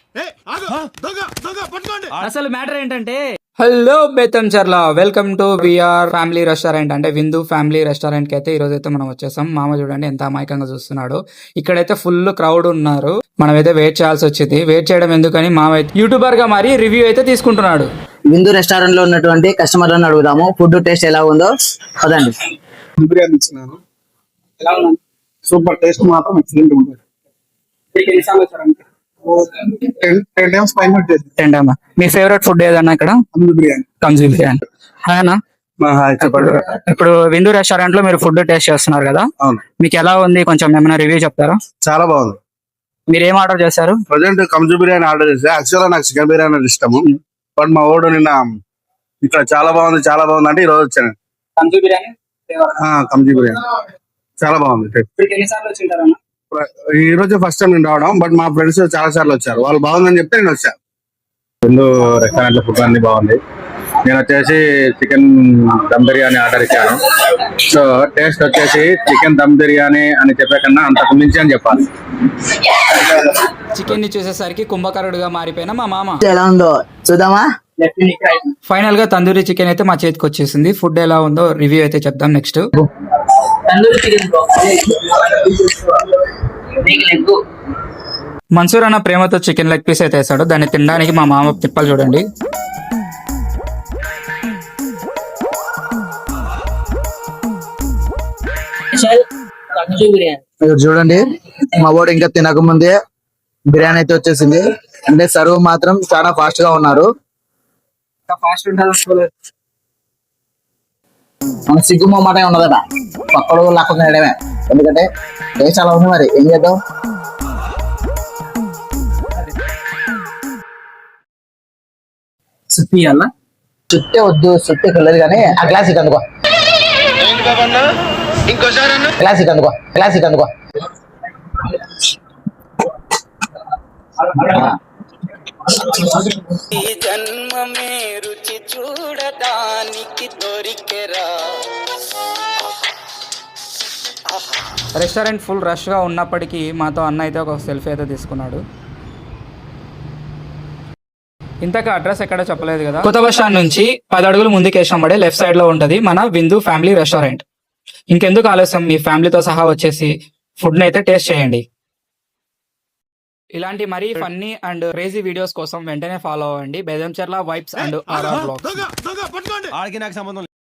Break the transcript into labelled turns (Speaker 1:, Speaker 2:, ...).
Speaker 1: అసలు మ్యాటర్ ఏంటంటే, hello Bethamcherla, welcome to VR family restaurant అంటే విందు ఫ్యామిలీ రెస్టారెంట్ కి అయితే ఈ రోజు అయితే మనం వచ్చేసాం. మామ చూడండి ఎంత అమాయకంగా చూస్తున్నాడు. ఇక్కడైతే ఫుల్ క్రౌడ్ ఉన్నారు. మనమైతే వెయిట్ చేయాల్సి వచ్చింది. వెయిట్ చేయడం ఎందుకని మామ అయితే యూట్యూబర్ గా మరి రివ్యూ అయితే తీసుకుంటున్నాడు.
Speaker 2: విందు రెస్టారెంట్ లో ఉన్నటువంటి కస్టమర్లను అడుగుదాము ఫుడ్ టేస్ట్ ఎలా ఉందో. పదండి.
Speaker 3: బిర్యానీ ఇచ్చినాను, సూపర్ టేస్ట్ మాత్రం ఎక్సలెంట్ ఉంటుంది. 10 times పైన వచ్చేసి.
Speaker 1: ఏంటమ్మా మీ ఫేవరెట్ ఫుడ్ ఏదన్నా ఇక్కడ?
Speaker 3: బిర్యానీ.
Speaker 1: కంజీ బిర్యానీ. హాయనా,
Speaker 3: చెప్పండి.
Speaker 1: ఇప్పుడు విందు రెస్టారెంట్ లో మీరు ఫుడ్ టేస్ట్ చేస్తున్నారు కదా,
Speaker 3: అవును,
Speaker 1: మీకు ఎలా ఉంది కొంచెం ఏమైనా రివ్యూ చెప్తారా?
Speaker 3: చాలా బాగుంది.
Speaker 1: మీరు ఏం ఆర్డర్ చేశారు?
Speaker 3: ప్రజెంట్ కంజు బిర్యానీ ఆర్డర్ చేస్తే, యాక్చువల్ గా నాకు చికెన్ బిర్యానీ అంటే ఇష్టము. బట్ మా ఓడు నిన్న ఇక్కడ చాలా బాగుంది అంటే ఈ రోజు వచ్చాను.
Speaker 1: కంజీ బిర్యానీ
Speaker 3: కంజు బిర్యానీ చాలా బాగుంది. ఈ రోజు ఫస్ట్ టైం నేను రావడం, బట్ మా ఫ్రెండ్స్ చాలా సార్లు వచ్చారు. వాళ్ళు బాగుందని చెప్తే నేను వచ్చాను.
Speaker 4: విందు రెస్టారెంట్ లో ఫుడ్ అన్ని బాగుంది. నేను వచ్చేసి చికెన్ దమ్ బిర్యానీ ఆర్డర్ ఇచ్చాను. సో టేస్ట్ వచ్చేసి చికెన్ దమ్ బిర్యానీ అని చెప్పే కన్నా అంతకు మించి అని చెప్పాలి.
Speaker 1: చికెన్ ని చూసేసరికి కుంభకరుడుగా మారిపోయిన మా మామ.
Speaker 2: ఎలా ఉందో చూద్దామా.
Speaker 1: ఫైనల్ గా తందూరి చికెన్ అయితే మా చేతికి వచ్చేసింది. ఫుడ్ ఎలా ఉందో రివ్యూ అయితే చెప్దాం నెక్స్ట్. మన్సూర్ అన్న ప్రేమతో చికెన్ లెగ్ పీస్ అయితే వేసాడు. దాన్ని తినడానికి మా మామ తిప్పలు చూడండి.
Speaker 2: మీరు చూడండి, మా వాడు ఇంకా తినకముందే బిర్యానీ అయితే వచ్చేసింది. అంటే సర్వ్ మాత్రం చాలా ఫాస్ట్ గా ఉన్నారు. మన సిగ్గుమో మాట ఉన్నదట, పక్కడు లాక్కుండా వేయడమే. ఎందుకంటే టేస్ట్ అలా ఉంది, మరి ఏం చేద్దాం. చుట్టే వద్దు, చుట్టే వెళ్ళదు కానీ ఆ క్లాసిక్ అందుకో, క్లాసిక్ అందుకో, క్లాసిక్ అందుకో.
Speaker 5: ఈ జన్మమే రుచి చూడడానికి దొరికెరా.
Speaker 1: రెస్టారెంట్ ఫుల్ రష్ గా ఉన్నప్పటికీ మాతో అన్న అయితే ఒక సెల్ఫీ అయితే తీసుకున్నాడు. ఇంతకు అడ్రస్ ఎక్కడ చెప్పలేదు కదా. కొత్త బస్ స్టాండ్ నుంచి 10 అడుగులు ముందుకు వేసినప్పుడే లెఫ్ట్ సైడ్ లో ఉంటది మన విందు ఫ్యామిలీ రెస్టారెంట్. ఇంకెందుకు ఆలస్యం, మీ ఫ్యామిలీతో సహా వచ్చేసి ఫుడ్ ని అయితే టేస్ట్ చేయండి. ఇలాంటి మరీ ఫన్నీ అండ్ క్రేజీ వీడియోస్ కోసం వెంటనే ఫాలో అవ్వండి Bethamcherla vibes and RR blogs.